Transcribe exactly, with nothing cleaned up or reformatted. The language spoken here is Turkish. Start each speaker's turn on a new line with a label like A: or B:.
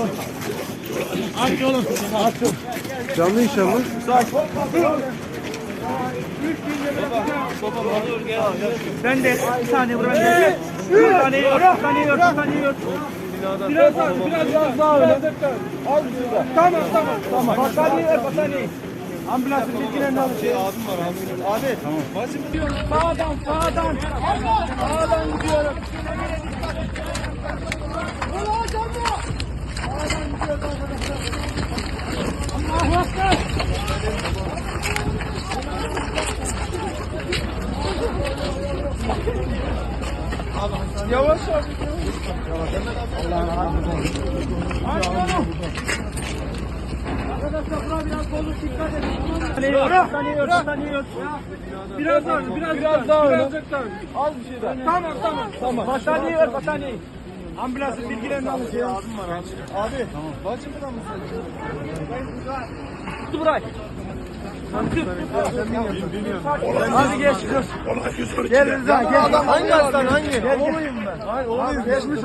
A: Aç oğlum. Aç.
B: Canlı inşallah.
A: Ben de bir saniye buraya. Bir tane yiyor, bir tane yiyor, bir tane yiyor. Biraz daha, biraz, biraz daha öyle. Az şurada. Tamam, tamam, tamam. Battaniye ver, battaniye. Ambulansın bilgilerini alın. Şey, abim var, abim. Abi. Tamam. Başım gidiyor. Sağdan, sağdan. Sağdan gidiyorum. Ulan canlı. Sağdan gidiyoruz arkadaşlar. Allahu Ekber. Yavaş yavaş. Allah'ın arkadaşlar buna biraz bozuk dikkat edin. Tanıyor, tanıyor, tanıyor. Biraz daha, biraz, biraz daha öyle. Az bir şey daha. Tamam, tamam. Tamam. Battaniye ver, battaniye. Ambulansın bilgilerini alın. Şey abim var abi. Abi. Tamam. Bacımdan mı sen? Burayı. Hadi geç kız. Gel Rıza gel. Hangi hastane hangi? Oğluyum ben. Hayır oğluyum.